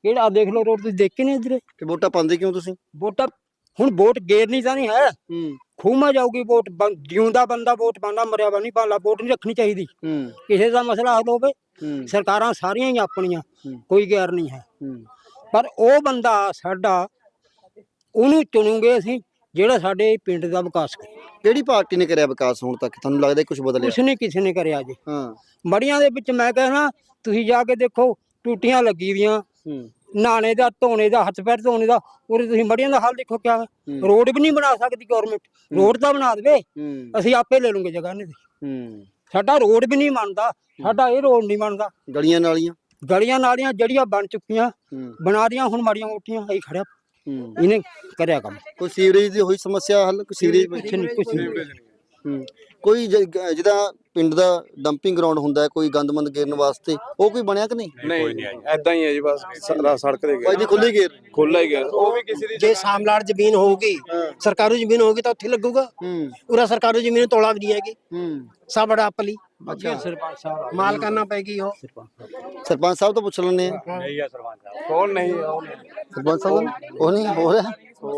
ਕਿਹੜਾ ਦੇਖ ਲਓ ਰੋਡ ਤੁਸੀਂ ਦੇਖੇ ਨਹੀਂ ਇਧਰੇ
ਕਿ ਵੋਟਾਂ ਪਾਉਂਦੇ ਕਿਉਂ ਤੁਸੀਂ?
ਵੋਟਾਂ ਹੁਣ ਵੋਟ ਗੇਰਨੀ ਤਾਂ ਨਹੀਂ ਹੈ,
ਹੂੰ
ਖੂਮਾ ਜਾਊਗੀ ਵੋਟ। ਬੰ- ਜਿਉਂਦਾ ਬੰਦਾ ਵੋਟ ਪਾਉਂਦਾ, ਮਰਿਆ ਵਾ ਨਹੀਂ ਪਾਉਂਦਾ। ਵੋਟ ਨਹੀਂ ਰੱਖਣੀ ਚਾਹੀਦੀ।
ਹੂੰ
ਕਿਸੇ ਦਾ ਮਸਲਾ ਹੱਲ ਹੋਵੇ।
ਹੂੰ
ਸਰਕਾਰਾਂ ਸਾਰੀਆਂ ਹੀ ਆਪਣੀਆਂ,
ਹੂੰ।
ਕੋਈ ਗੈਰ ਨਹੀਂ ਹੈ,
ਹੂੰ
ਪਰ ਉਹ ਬੰਦਾ ਸਾਡਾ ਉਹਨੂੰ ਚੁਣੂਗੇ ਅਸੀਂ ਜਿਹੜਾ ਸਾਡੇ ਪਿੰਡ ਦਾ ਵਿਕਾਸ ਕਰੇ।
ਕਿਹੜੀ ਪਾਰਟੀ ਨੇ ਕਰਿਆ ਵਿਕਾਸ ਹੁਣ ਤੱਕ? ਤੁਹਾਨੂੰ ਲੱਗਦਾ ਕੁਝ ਬਦਲਿਆ?
ਕੁਛ ਨਹੀਂ ਕਿਸੇ ਨੇ ਕਰਿਆ ਜੀ।
ਹਾਂ
ਮੜੀਆਂ ਦੇ ਵਿੱਚ ਮੈਂ ਕਹਿਣਾ ਤੁਸੀਂ ਜਾ ਕੇ ਦੇਖੋ, ਟੂਟੀਆਂ ਲੱਗੀ ਵੀਆਂ,
ਹੂੰ
ਨਹਾਣੇ ਦਾ, ਧੋਣੇ ਦਾ, ਹੱਥ ਪੈਰ ਧੋਣੇ ਦਾ। ਉਹਦੇ ਤੁਸੀਂ ਮੜੀਆਂ ਦਾ ਹਾਲ ਦੇਖੋ ਕਿਆ ਹੈ।
ਹੂੰ।
ਰੋਡ ਵੀ ਨਹੀਂ ਬਣਾ ਸਕਦੀ ਗਵਰਨਮੈਂਟ। ਰੋਡ ਤਾਂ ਬਣਾ ਦੇਵੇ,
ਹੂੰ
ਅਸੀਂ ਆਪੇ ਲੈ ਲੂਗੇ ਜਗ੍ਹਾ ਨੇ।
ਹੂੰ
ਸਾਡਾ ਰੋਡ ਵੀ ਨਹੀਂ ਬਣਦਾ, ਸਾਡਾ ਇਹ ਰੋਡ ਨਹੀਂ ਬਣਦਾ।
ਗਲੀਆਂ ਨਾਲੀਆਂ
ਗਲੀਆਂ ਨਾਲੀਆਂ ਜਿਹੜੀਆਂ ਬਣ ਚੁੱਕੀਆਂ
ਹੂੰ
ਬਣਾ ਦੀਆਂ, ਹੁਣ ਮਾੜੀਆਂ ਮੋਟੀਆਂ ਅਸੀਂ ਖੜਿਆ
ਹੂੰ
ਇਹਨੇ ਕਰਿਆ ਕੰਮ।
ਕੋਈ ਸੀਵਰੇਜ ਦੀ ਹੋਈ ਸਮੱਸਿਆ ਹੱਲ? ਕੋਈ ਸੀਵਰੇਜ
ਕੁਛ ਨਹੀਂ, ਕੁਛ ਨਹੀਂ।
ਹੂੰ ਕੋਈ ਜ- ਗ- ਜਿਹਦਾ ਪਿੰਡ ਦਾ ਡੰਪਿੰਗ ਗਰਾਊਂਡ ਹੁੰਦਾ ਹੈ, ਕੋਈ ਗੰਦਮੰਦ ਗੇਰਨ ਵਾਸਤੇ, ਉਹ ਕੋਈ ਬਣਿਆ ਕਿ ਨਹੀਂ?
ਨਹੀਂ ਐਦਾਂ ਹੀ ਹੈ ਜੀ, ਬਸ ਸ- ਸੜਕ ਦੇ
ਭਾਈ ਜੀ ਖੁੱਲੀ ਗੇਰ
ਖੁੱਲਾ ਹੀ ਗਿਆ, ਉਹ ਵੀ ਕਿਸੇ ਦੀ
ਜੇ ਸਾਮਲਾੜ ਜ਼ਮੀਨ ਹੋਊਗੀ, ਸਰਕਾਰੀ ਜ਼ਮੀਨ ਹੋਊਗੀ ਤਾਂ ਉੱਥੇ ਲੱਗੂਗਾ।
ਹੂੰ
ਪੂਰਾ ਸਰਕਾਰੀ ਜ਼ਮੀਨ ਤੋਲਾ ਵੀ ਨਹੀਂ ਹੈਗੀ,
ਹੂੰ
ਸਭ ਬੜਾ ਆਪਲੀ
ਅੱਛਾ
ਸਰਪੰਚ ਸਾਹਿਬ
ਮਾਲ ਕਰਨਾ ਪੈਗੀ ਉਹ।
ਸਰਪੰਚ ਸਾਹਿਬ ਤੋਂ ਪੁੱਛ ਲੈਣੇ ਆ।
ਨਹੀਂ ਆ ਸਰਪੰਚ ਸਾਹਿਬ।
ਕੌਣ ਨਹੀਂ ਉਹ ਨਹੀਂ।
ਸਰਪੰਚ ਸਾਹਿਬ ਉਹ ਨਹੀਂ ਹੋ ਰਿਹਾ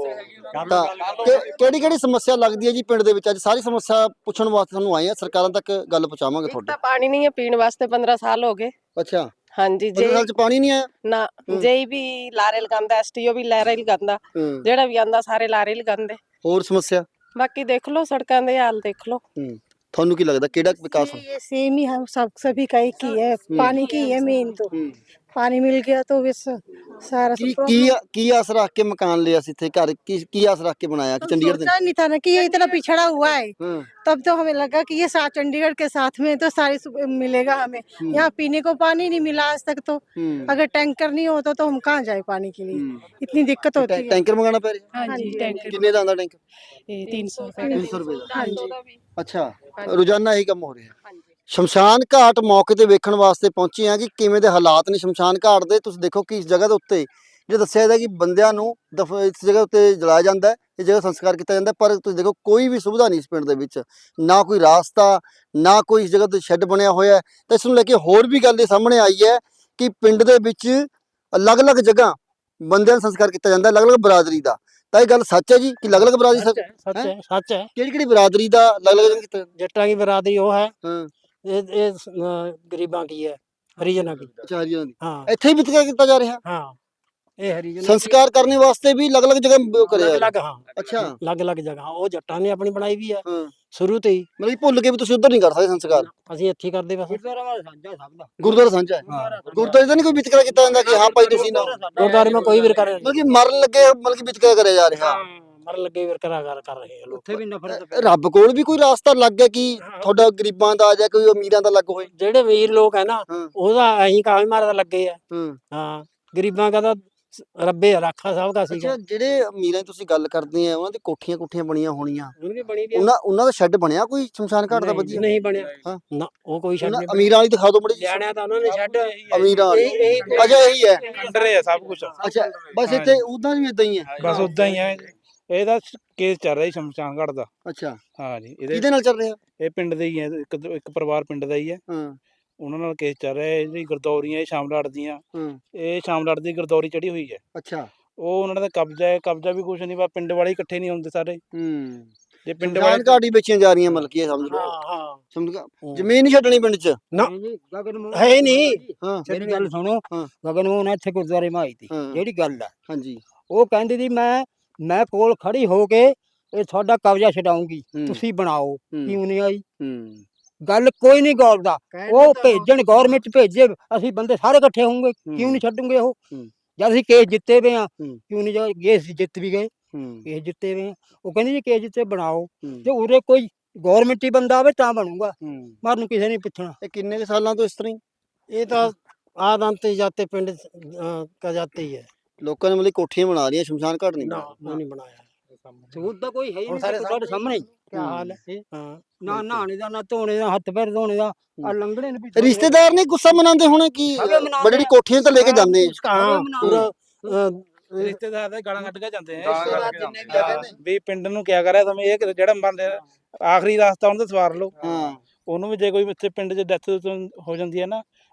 ਤਾਂ ਕਿਹੜੀ ਕਿਹੜੀ ਸਮੱਸਿਆ ਲੱਗਦੀ ਹੈ ਜੀ ਪਿੰਡ ਦੇ ਵਿੱਚ? ਅੱਜ ਸਾਰੀ ਸਮੱਸਿਆ ਪੁੱਛਣ ਵਾਸਤੇ ਤੁਹਾਨੂੰ ਆਏ ਆ, ਸਰਕਾਰਾਂ ਤੱਕ ਗੱਲ ਪਹੁੰਚਾਵਾਂਗੇ ਤੁਹਾਡੀ।
ਤਾਂ ਪਾਣੀ ਨਹੀਂ ਹੈ ਪੀਣ ਵਾਸਤੇ, ਪੰਦਰਾਂ ਸਾਲ ਹੋ ਗਏ।
ਅੱਛਾ
ਹਾਂਜੀ
ਪੰਦਰਾਂ ਸਾਲ ਚ ਪਾਣੀ ਨਹੀਂ ਆਇਆ?
ਨਾ ਜੇਈ ਵੀ ਲਾਰੇ ਲਗਾਉਂਦਾ, ਐਸਟੀਓ ਵੀ ਲਾਰੇ ਲਗਾਉਂਦਾ,
ਹੂੰ
ਜਿਹੜਾ ਵੀ ਆਂਦਾ ਸਾਰੇ ਲਾਰੇ ਲਗਾਉਂਦੇ।
ਹੋਰ ਸਮੱਸਿਆ?
ਬਾਕੀ ਦੇਖ ਲਓ ਸੜਕਾਂ ਦੇ ਹਾਲ ਦੇਖ ਲਓ।
ਹੂੰ ਤੁਹਾਨੂੰ ਕੀ ਲੱਗਦਾ ਕਿਹੜਾ ਵਿਕਾਸ ਹੋ?
ये सेम ही हम सब सभी का एक ही है, पानी की है मेन तो। पानी मिल गया तो बस सारा
ਕੀ
सब
ਕੀ ਕੀ ਆਸ ਰੱਖ ਕੇ ਮਕਾਨ ਲਿਆ ਸੀ ਇੱਥੇ ਘਰ? ਕੀ ਕੀ ਆਸ ਰੱਖ ਕੇ ਬਣਾਇਆ ਕਿ ਚੰਡੀਗढ़ ਦੇ?
सोचा नहीं था ना कि ये इतना पिछड़ा हुआ है,
हाँ
तब तो हमें लगा कि ये साथ चंडीगढ़ के साथ में तो सारी सु- मिलेगा हमें। यहाँ पीने को पानी नहीं मिला आज तक तो।
हम्म।
अगर टैंकर नहीं होता तो हम कहाँ जाए पानी के लिए, इतनी दिक्कत होती है।
ਟੈਂਕਰ ਮੰਗਾਣਾ ਪੈ ਰਿਹਾ?
हाँ जी टैंकर
ਕਿੰਨੇ ਦਾ ਆਂਦਾ ਟੈਂਕਰ?
तीन सौ
तीन सौ रुपए ਦਾ।
हाँ जी
ਅੱਛਾ ਰੋਜ਼ਾਨਾ ਇਹੀ ਕੰਮ ਹੋ ਰਿਹਾ। ਸ਼ਮਸ਼ਾਨ ਘਾਟ ਮੌਕੇ ਤੇ ਵੇਖਣ ਵਾਸਤੇ ਪਹੁੰਚੇ ਆ ਕਿ ਕਿਵੇਂ ਦੇ ਹਾਲਾਤ ਨੇ ਸ਼ਮਸ਼ਾਨ ਘਾਟ ਦੇ। ਤੁਸੀਂ ਦੇਖੋ ਕਿ ਇਸ ਜਗ੍ਹਾ ਦੇ ਉੱਤੇ ਜੇ ਦੱਸਿਆ ਜਾਂਦਾ ਕਿ ਬੰਦਿਆਂ ਨੂੰ ਦਫ ਇਸ ਜਗ੍ਹਾ ਉੱਤੇ ਜਲਾਇਆ ਜਾਂਦਾ ਹੈ, ਇਸ ਜਗ੍ਹਾ ਸੰਸਕਾਰ ਕੀਤਾ ਜਾਂਦਾ ਹੈ, ਪਰ ਤੁਸੀਂ ਦੇਖੋ ਕੋਈ ਵੀ ਸੁਵਿਧਾ ਨਹੀਂ ਇਸ ਪਿੰਡ ਦੇ ਵਿੱਚ, ਨਾ ਕੋਈ ਰਾਸਤਾ, ਨਾ ਕੋਈ ਇਸ ਜਗ੍ਹਾ ਤੇ ਸ਼ੈੱਡ ਬਣਿਆ ਹੋਇਆ ਹੈ। ਤਾਂ ਇਸ ਨੂੰ ਲੈ ਕੇ ਹੋਰ ਵੀ ਗੱਲ ਇਹ ਸਾਹਮਣੇ ਆਈ ਹੈ ਕਿ ਪਿੰਡ ਦੇ ਵਿੱਚ ਅਲੱਗ-ਅਲੱਗ ਜਗ੍ਹਾ ਬੰਦਿਆਂ ਦਾ ਸੰਸਕਾਰ ਕੀਤਾ ਜਾਂਦਾ ਹੈ, ਅਲੱਗ-ਅਲੱਗ ਬਰਾਦਰੀ ਦਾ। ਤਾਂ ਇਹ ਗੱਲ ਸੱਚ ਹੈ ਜੀ ਕਿ ਅਲੱਗ-ਅਲੱਗ ਬਰਾਦਰੀ
ਸੱਚ ਹੈ, ਸੱਚ ਹੈ, ਸੱਚ ਹੈ।
ਕਿਹੜੀ ਕਿਹੜੀ ਬਰਾਦਰੀ ਦਾ ਅਲੱਗ-ਅਲੱਗ ਜਗ੍ਹਾ ਕੀਤਾ ਜਾਂਦਾ?
ਜੱਟਾਂ ਦੀ ਬਰਾਦਰੀ ਉਹ ਹੈ,
ਹਾਂ
ਇਹ ਇਹ ਅ, ਗਰੀਬਾਂ ਕੀ ਹੈ, ਹਰੀਜਨਾਂ ਕੀ।
ਅੱਛਾ ਹਰੀਜਨਾਂ ਦੀ
ਹਾਂ
ਇੱਥੇ ਹੀ ਵਿਤਕਰਾ ਕੀਤਾ ਜਾ ਰਿਹਾ?
ਹਾਂ ਇਹ ਹਰੀਜਨ
ਸੰਸਕਾਰ ਕਰਨੇ ਵਾਸਤੇ ਵੀ ਅਲੱਗ-ਅਲੱਗ ਜਗ੍ਹਾ ਉਹ ਕਰਿਆ ਜਾ ਰਿਹਾ?
ਅਲੱਗ, ਹਾਂ
ਅੱਛਾ
ਅਲੱਗ-ਅਲੱਗ ਜਗ੍ਹਾ ਉਹ ਜੱਟਾਂ ਨੇ ਆਪਣੀ ਬਣਾਈ ਵੀ ਹੈ
ਹਾਂ
ਸ਼ੁਰੂ ਤੋਂ ਹੀ।
ਮਤਲਬ ਕਿ ਭੁੱਲ ਕੇ ਵੀ ਤੁਸੀਂ ਉੱਧਰ ਨਹੀਂ ਕਰ ਸਕਦੇ ਸੰਸਕਾਰ?
ਅਸੀਂ ਇੱਥੇ ਹੀ ਕਰਦੇ ਬਸ।
ਗੁਰਦੁਆਰਾ ਸਾਂਝਾ ਸਭ ਦਾ।
ਗੁਰਦੁਆਰਾ ਸਾਂਝਾ ਹੈ, ਗੁਰਦੁਆਰੇ ਤਾਂ ਨਹੀਂ ਕੋਈ ਵਿਤਕਰਾ ਕੀਤਾ ਜਾਂਦਾ ਕਿ ਹਾਂ ਭਾਈ ਤੁਸੀਂ ਨਾ?
ਗੁਰਦੁਆਰੇ ਮੈਂ ਕੋਈ ਵਿਰਕਰਾ ਨਹੀਂ,
ਮਤਲਬ ਕਿ ਮਰਨ ਲੱਗੇ ਮਤਲਬ ਕਿ ਵਿਤਕਰਾ ਕਰਿਆ ਜਾ ਰਿਹਾ।
ਮਰਨ ਲੱਗੇ ਵਿਰਕਰਾ ਕਰ ਕਰ ਰਹੇ ਆ ਲੋਕ।
ਉੱਥੇ ਵੀ ਨਫ਼ਰਤ
ਅ, ਰੱਬ ਕੋਲ ਵੀ ਕੋਈ ਰਾਸਤਾ ਲੱਗ ਗਿਆ ਕਿ ਤੁਹਾਡਾ ਗਰੀਬਾਂ ਦਾ ਜਾਂ ਕੋਈ ਅਮੀਰਾਂ ਦਾ ਲੱਗ ਹੋਏ?
ਜਿਹੜੇ ਵੀਰ ਲੋਕ ਹੈ ਨਾ
ਹਾਂ।
ਉਹਦਾ ਐਂ ਕਾਹੇ ਮਾਰਦਾ ਲੱਗੇ ਆ।
ਹਾਂ
ਹਾਂ ਗਰੀਬਾਂ ਦਾ ਤਾਂ ਰੱਬੇ ਰਾਖਾ ਸਭ ਦਾ ਸੀਗਾ।
ਅੱਛਾ ਜਿਹੜੇ ਅਮੀਰਾਂ ਦੀ ਤੁਸੀਂ ਗੱਲ ਕਰਦੇ ਆ ਉਹਨਾਂ ਦੀ ਕੋਠੀਆਂ ਕੋਠੀਆਂ ਬਣੀਆਂ ਹੋਣੀਆਂ,
ਉਹਨਾਂ ਦੀ ਬਣੀ ਵੀ
ਉਹਨਾਂ ਉਹਨਾਂ ਦਾ ਸ਼ੈੱਡ ਬਣਿਆ ਕੋਈ ਸ਼ਮਸ਼ਾਨ ਘਾਟ ਦਾ
ਨਹੀਂ,
ਵਧੀਆ?
ਨਹੀਂ ਬਣਿਆ
ਹਾਂ।
ਨਾ ਉਹ ਕੋਈ ਛੱਡ
ਉਹਨਾਂ
ਨਹੀਂ
ਅਮੀਰਾਂ ਵਾਲੀ ਦਿਖਾ ਦਿਓ ਮੜੀ।
ਲਿਆਣਿਆ ਤਾਂ ਉਹਨਾਂ ਨੇ ਛੱਡ
ਅਮੀਰਾਂ ਵਾਲੀ
ਇਹ- ਇਹ-
ਅੱਛਾ ਇਹੀ ਹੈ?
ਅੰਡਰ ਹੈ ਸਭ ਕੁਝ,
ਅੱਛਾ ਬਸ ਇੱਥੇ ਉਦਾਂ ਵੀ ਇਦਾਂ ਹੀ ਹੈ?
ਬਸ ਉਦਾਂ ਹੀ ਹੈ। ਇਹਦਾ ਕੇਸ ਚੱਲ ਰਿਹਾ ਜੀ ਸ਼ਮਸ਼ਾਨ ਘਾਟ ਦਾ।
ਅੱਛਾ
ਹਾਂ ਜੀ, ਇਹਦੇ
ਕਿਹਦੇ ਨਾਲ ਚੱਲ ਰਿਹਾ?
ਇਹ ਪਿੰਡ ਦੇ ਹੀ ਹੈ, ਇੱਕ ਇੱਕ ਪਰਿਵਾਰ ਪਿੰਡ ਦਾ ਹੀ ਹੈ,
ਹਾਂ
ਉਹਨਾਂ ਨਾਲ ਕੇਸ ਚੱਲ ਰਿਹਾ। ਇਹ ਜਿਹੜੀ ਗਰਦੌਰੀਆਂ ਇਹ ਸ਼ਾਮਲਾਟ ਦੀਆਂ,
ਹਾਂ
ਇਹ ਸ਼ਾਮਲਾਟ ਦੀ ਗਰਦੌਰੀ ਚੜੀ ਹੋਈ ਹੈ।
ਅੱਛਾ
ਉਹ ਉਹਨਾਂ ਦਾ ਕਬਜ਼ਾ ਹੈ, ਕਬਜ਼ਾ ਵੀ ਕੁਛ ਨਹੀਂ, ਬਸ ਪਿੰਡ ਵਾਲੇ ਇਕੱਠੇ ਨਹੀਂ ਹੁੰਦੇ ਸਾਰੇ।
ਹੂੰ
ਜੇ ਪਿੰਡ
ਸ਼ਮਸ਼ਾਨ
ਵਾਲੇ
ਘਾਟ ਹੀ ਵੇਚੀਆਂ ਜਾ ਰਹੀਆਂ ਮਤਲਬ ਕੀ ਇਹ ਸਮਝ ਲਓ?
ਹਾਂ ਹਾਂ
ਸਮਝ ਗਿਆ? ਜ਼ਮੀਨ ਨਹੀਂ ਛੱਡਣੀ ਪਿੰਡ 'ਚ?
ਨਾ
ਗਗਨ ਮੋਹਨ
ਹੈ ਨਹੀਂ।
ਹਾਂ
ਮੇਰੀ ਗੱਲ ਸੁਣੋ,
ਹਾਂ।
ਗਗਨ ਮੋਹਨ ਇੱਥੇ ਗੁਰਦੁਆਰੇ ਮਾਈ ਤੀ,
ਹਾਂ।
ਜਿਹੜੀ ਗੱਲ ਆ
ਹਾਂਜੀ
ਉਹ ਕਹਿੰਦੀ ਸੀ ਮੈਂ ਮੈਂ ਕੋਲ ਖੜੀ ਹੋ ਕੇ ਇਹ ਤੁਹਾਡਾ ਕਬਜ਼ਾ ਛਡਾਉਂਗੀ,
ਹੂੰ।
ਤੁਸੀਂ ਬਣਾਓ।
ਹੂੰ।
ਕਿਉਂ ਨਹੀਂ ਆਈ
ਹੂੰ
ਗੱਲ? ਕੋਈ ਨਹੀਂ ਗੌਰਦਾ। ਉਹ ਭੇਜਣ ਗਵਰਨਮੈਂਟ ਭੇਜੇ, ਅਸੀਂ ਬੰਦੇ ਸਾਰੇ ਇਕੱਠੇ ਹੋਵਾਂਗੇ, ਕਿਉਂ ਨਹੀਂ ਛੱਡੂਗੇ ਉਹ?
ਹੂੰ।
ਜਦ ਅਸੀਂ ਕੇਸ ਜਿੱਤੇ ਵੇ ਆ,
ਹੂੰ।
ਕਿਉਂ ਨਹੀਂ ਜਾ ਕੇਸ ਜਿੱਤ ਵੀ ਗਏ,
ਹੂੰ
ਕੇਸ ਜਿੱਤੇ ਵੇ ਆ। ਉਹ ਕਹਿੰਦੀ ਜੀ ਕੇਸ ਜਿੱਤੇ ਬਣਾਓ,
ਹੂੰ।
ਤੇ ਉਰੇ ਕੋਈ ਗਵਰਨਮੈਂਟ ਹੀ ਬੰਦਾ ਆਵੇ ਤਾਂ ਬਣੂਗਾ,
ਹੂੰ
ਮਰਨ ਕਿਸੇ ਨੇ ਪੁੱਛਣਾ।
ਇਹ ਕਿੰਨੇ ਕੁ ਸਾਲਾਂ ਤੋਂ ਇਸ ਤਰ੍ਹਾਂ ਹੀ
ਇਹ ਤਾਂ ਆਦੰਤ ਜਾਤੇ ਪਿੰਡ ਅ, ਕਾ ਜਾਤੇ ਹੀ ਹੈ।
ਲੋਕਾਂ ਨੇ ਮਤਲਬ ਕੋਠੀਆਂ ਬਣਾ ਰਹੀਆਂ, ਸ਼ਮਸ਼ਾਨ ਘਾਟ ਨਹੀਂ
ਨਾ
ਬਣਾਇਆ?
ਉਹ ਨਹੀਂ ਬਣਾਇਆ।
ਸਬੂਤ ਤਾਂ ਕੋਈ ਹੈ ਹੀ
ਹੁਣ
ਨਹੀਂ
ਸਾਰੇ
ਤੁਹਾਡੇ ਸਾਹਮਣੇ।
ਕੀ ਹਾਲ ਹੈ? ਹਾਂ
ਨਾ ਨਹਾਣੇ ਦਾ, ਨਾ ਧੋਣੇ ਦਾ, ਹੱਥ ਪੈਰ ਧੋਣੇ ਦਾ, ਆ ਲੰਗੜੇ ਨੇ ਪਿੱਛੇ।
ਰਿਸ਼ਤੇਦਾਰ ਨੇ ਗੁੱਸਾ ਮਨਾਉਂਦੇ ਹੋਣੇ ਕਿ
ਸਭੇ ਮਨਾਉਂਦੇ
ਬੜੀ ਕੋਠੀਆਂ ਤਾਂ ਲੈ ਕੇ ਜਾਂਦੇ ਆ।
ਹਾਂ ਪੂਰਾ ਅ,
ਰਿਸ਼ਤੇਦਾਰ ਦੇ ਗਾਲਾਂ ਕੱਢ ਕੇ ਜਾਂਦੇ ਆ
ਰਿਸ਼ਤੇਦਾਰ ਜਿੰਨੇ ਵੀ ਹੈਗੇ ਨੇ।
ਵੀ ਪਿੰਡ ਨੂੰ ਕਿਆ ਕਰਿਆ ਤੁਸੀਂ, ਇਹ ਜਿਹੜਾ ਬੰਦੇ ਆਖਰੀ ਰਾਸਤਾ ਉਹਨਾਂ ਦਾ ਸਵਾਰ ਲਓ।
ਹਾਂ
ਉਹਨੂੰ ਵੀ ਜੇ ਕੋਈ ਇੱਥੇ ਪਿੰਡ 'ਚ ਡੈਥ ਹੋ ਜਾਂਦੀ ਹੈ ਨਾ,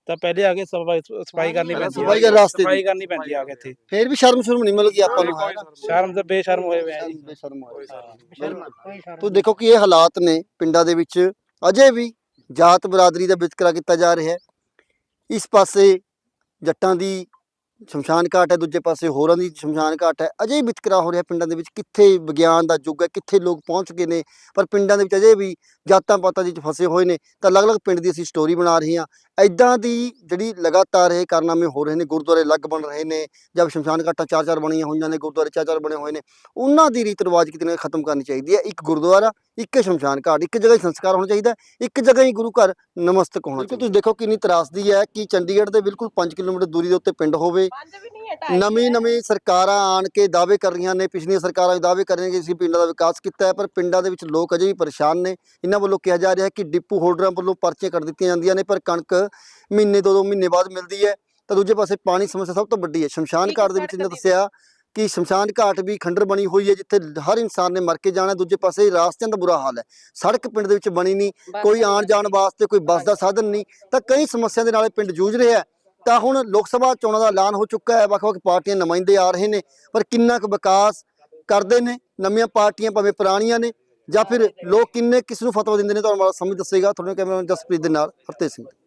ਤਾਂ ਪਹਿਲੇ ਆ ਕੇ ਸਫਾਈ ਸਫਾਈ ਕਰਨੀ ਪੈਂਦੀ ਹੈ,
ਸਫਾਈ ਕਰ ਰਾਸਤੇ ਦੀ।
ਸਫਾਈ ਕਰਨੀ ਪੈਂਦੀ ਆ ਕੇ ਇੱਥੇ।
ਫੇਰ ਵੀ ਸ਼ਰਮ ਸ਼ਰਮ ਨਹੀਂ ਮਿਲੂਗੀ ਆਪਾਂ ਨੂੰ, ਹੈ ਨਾ?
ਸ਼ਰਮ ਤੇ ਬੇਸ਼ਰਮ ਹੋਏ ਹੋਏ ਆ ਜੀ।
ਬੇਸ਼ਰਮ ਹੋਏ। ਤੋ ਦੇਖੋ ਕਿ ਇਹ ਹਾਲਾਤ ਨੇ ਪਿੰਡਾਂ ਦੇ ਵਿੱਚ, ਅਜੇ ਵੀ ਜਾਤ ਬਰਾਦਰੀ ਦਾ ਵਿਤਕਰਾ ਕੀਤਾ ਜਾ ਰਿਹਾ ਹੈ। ਇਸ ਪਾਸੇ ਜੱਟਾਂ ਦੀ ਸ਼ਮਸ਼ਾਨ ਘਾਟ ਹੈ, ਦੂਜੇ ਪਾਸੇ ਹੋਰਾਂ ਦੀ ਸ਼ਮਸ਼ਾਨ ਘਾਟ ਹੈ। ਅਜੇ ਵੀ ਵਿਤਕਰਾ ਹੋ ਰਿਹਾ ਪਿੰਡਾਂ ਦੇ ਵਿੱਚ। ਕਿੱਥੇ ਵਿਗਿਆਨ ਦਾ ਯੁੱਗ ਹੈ, ਕਿੱਥੇ ਲੋਕ ਪਹੁੰਚ ਗਏ ਨੇ, ਪਰ ਪਿੰਡਾਂ ਦੇ ਵਿੱਚ ਅਜੇ ਵੀ ਜਾਤਾਂ ਪਾਤਾਂ ਦੇ ਵਿੱਚ ਫਸੇ ਹੋਏ ਨੇ। ਤਾਂ ਅਲੱਗ-ਅਲੱਗ ਪਿੰਡ ਦੀ ਅਸੀਂ ਸਟੋਰੀ ਬਣਾ ਰਹੇ ਹਾਂ। ਇੱਦਾਂ ਦੀ ਜਿਹੜੀ ਲਗਾਤਾਰ ਇਹ ਕਾਰਨਾਮੇ ਹੋ ਰਹੇ ਨੇ, ਗੁਰਦੁਆਰੇ ਅਲੱਗ ਬਣ ਰਹੇ ਨੇ, ਜਦ ਸ਼ਮਸ਼ਾਨ ਘਾਟਾਂ ਚਾਰ ਚਾਰ ਬਣੀਆਂ ਹੋਈਆਂ ਨੇ, ਗੁਰਦੁਆਰੇ ਚਾਰ ਚਾਰ ਬਣੇ ਹੋਏ ਨੇ, ਉਹਨਾਂ ਦੀ ਰੀਤ ਰਿਵਾਜ ਕਿਤੇ ਨਾ ਖਤਮ ਕਰਨੀ ਚਾਹੀਦੀ ਹੈ। ਇੱਕ ਗੁਰਦੁਆਰਾ, ਇੱਕ ਸ਼ਮਸ਼ਾਨ ਘਾਟ, ਇੱਕ ਜਗ੍ਹਾ ਹੀ ਸੰਸਕਾਰ ਹੋਣਾ ਚਾਹੀਦਾ, ਇੱਕ ਜਗ੍ਹਾ ਹੀ ਗੁਰੂ ਘਰ ਨਮਸਤਕ ਹੋਣਾ ਚਾਹੀਦਾ। ਤੁਸੀਂ ਦੇਖੋ ਕਿੰਨੀ ਤਰਾਸਦੀ ਹੈ ਕਿ ਚੰਡੀਗੜ੍ਹ ਦੇ ਬਿਲਕੁਲ ਪੰਜ ਕਿਲੋਮੀਟਰ ਦੂਰੀ ਦੇ ਉੱਤੇ ਪਿੰਡ ਹੋਵੇ। ਨਵੀਂ ਨਵੀਂ ਸਰਕਾਰਾਂ ਆਣ ਕੇ ਦਾਅਵੇ ਕਰ ਰਹੀਆਂ ਨੇ, ਪਿਛਲੀਆਂ ਸਰਕਾਰਾਂ ਦਾਅਵੇ ਕਰ ਰਹੀਆਂ ਕਿ ਅਸੀਂ ਪਿੰਡਾਂ ਦਾ ਵਿਕਾਸ ਕੀਤਾ ਹੈ, ਪਰ ਪਿੰਡਾਂ ਦੇ ਵਿੱਚ ਲੋਕ ਅਜੇ ਵੀ ਪਰੇਸ਼ਾਨ ਨੇ। ਇਹਨਾਂ ਵੱਲੋਂ ਕਿਹਾ ਜਾ ਰਿਹਾ ਹੈ ਕਿ ਡਿਪੂ ਹੋਲਡਰਾਂ ਵੱਲੋਂ ਪਰਚੀਆਂ ਕੱਟ ਦਿੱਤੀਆਂ ਜਾਂਦੀਆਂ ਨੇ, ਪਰ ਕਣਕ ਮਹੀਨੇ ਦੋ ਦੋ ਮਹੀਨੇ ਬਾਅਦ ਮਿਲਦੀ ਹੈ। ਤਾਂ ਦੂਜੇ ਪਾਸੇ ਪਾਣੀ ਸਮੱਸਿਆ ਸਭ ਤੋਂ ਵੱਡੀ ਹੈ। ਸ਼ਮਸ਼ਾਨ ਘਾਟ ਦੇ ਵਿੱਚ ਇਹਨਾਂ ਦੱਸਿਆ ਕਿ ਸ਼ਮਸ਼ਾਨ ਘਾਟ ਵੀ ਖੰਡਰ ਬਣੀ ਹੋਈ ਹੈ, ਜਿੱਥੇ ਹਰ ਇਨਸਾਨ ਨੇ ਮਰ ਕੇ ਜਾਣਾ। ਦੂਜੇ ਪਾਸੇ ਰਾਸਤਿਆਂ ਦਾ ਬੁਰਾ ਹਾਲ ਹੈ, ਸੜਕ ਪਿੰਡ ਦੇ ਵਿੱਚ ਬਣੀ ਨਹੀਂ, ਕੋਈ ਆਉਣ ਜਾਣ ਵਾਸਤੇ ਕੋਈ ਬੱਸ ਦਾ ਸਾਧਨ ਨਹੀਂ। ਤਾਂ ਕਈ ਸਮੱਸਿਆ ਦੇ ਨਾਲ ਇਹ ਪਿੰਡ ਜੂਝ ਰਿਹਾ ਹੈ। ਤਾਂ ਹੁਣ ਲੋਕ ਸਭਾ ਚੋਣਾਂ ਦਾ ਐਲਾਨ ਹੋ ਚੁੱਕਾ ਹੈ, ਵੱਖ ਵੱਖ ਪਾਰਟੀਆਂ ਨੁਮਾਇੰਦੇ ਆ ਰਹੇ ਨੇ, ਪਰ ਕਿੰਨਾ ਕੁ ਵਿਕਾਸ ਕਰਦੇ ਨੇ ਨਵੀਆਂ ਪਾਰਟੀਆਂ ਭਾਵੇਂ ਪੁਰਾਣੀਆਂ ਨੇ, ਜਾਂ ਫਿਰ ਲੋਕ ਕਿੰਨੇ ਕਿਸ ਨੂੰ ਫਤਵਾ ਦਿੰਦੇ ਨੇ, ਤੁਹਾਨੂੰ ਸਮਝ ਦੱਸੇਗਾ। ਤੁਹਾਡੇ ਕੈਮਰਾਮੈਨ ਜਸਪ੍ਰੀਤ ਦੇ ਨਾਲ ਹਰਤੇਜ ਸਿੰਘ।